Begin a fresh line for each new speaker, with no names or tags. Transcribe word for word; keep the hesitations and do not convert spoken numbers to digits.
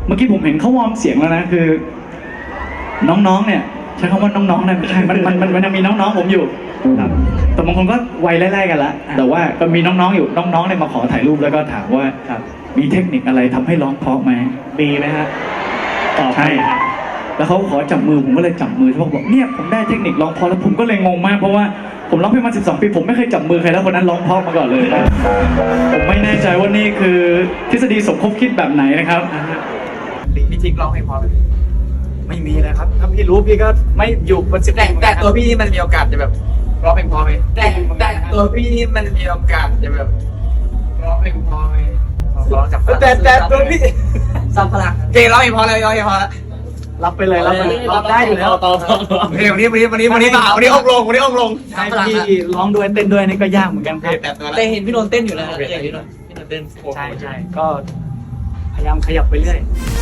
เมื่อกี้ผมเห็นเขาวอร์มเสียงแล้วนะคือ น้องๆเนี่ยใช้คำว่าน้องๆนะไม่ใช่มันมันมันมันยังมีน้องๆผมอยู่ครับแต่บางคนก็วัยไล่ๆกันละแต่ว่าก็มีน้องๆอยู่น้องๆเนี่ยมาขอถ่ายรูปแล้วก็ถามว่ามีเทคนิคอะไรทำให้ร้องเพราะไหมมีไหมฮะตอบใช่แล้วเขาขอจับมือผมก็เลยจับมือเขาบอกเนี่ยผมได้เทคนิคร้องเพราะแล้วผมก็เลยงงมากเพราะว่าผมร้องเพลงมาสิบสองปีผมไม่เคยจับมือใครแล้วคนนั้นร้องเพราะมาก่อนเลยผมไม่แน่ใจว่านี่คือทฤษฎีสมคบคิดแบบไหนนะครับพี่ทิกร้องเพลงเพราะไม่มีเลยครับถ้าพี่รู้พี่ก็ไม่อยู่บนสิบแต่แต่ตัวพี่นี่มันมีโอกาสจะแบบร้องเพลงเพราะไหมแต่แต่ตัวพี่นี่มันมีโอกาสจะแบบร้องเพลงเพราะไหมร้องจากแต่แต่ตัวพี่สัมภาระเก่งร้องเพลงเพราะเลยร้องเพลงเพราะรับไปเลยรับไปเลยรับได้อยู่แล้วต่อต่อเพลงวันนี้วันนี้วันนี้วันนี้วันนี้องลงวันนี้องลงใช่พี่ร้องด้วยเต้นด้วยนี่ก็ยากเหมือนกันครับ
แต่เห็นพี่นนท์เต้นอยู่แล้วอย่างพี่นนท์พี่นนท์เต้น
ใช่ใช่ก็พยายามขยับไปเรื่อย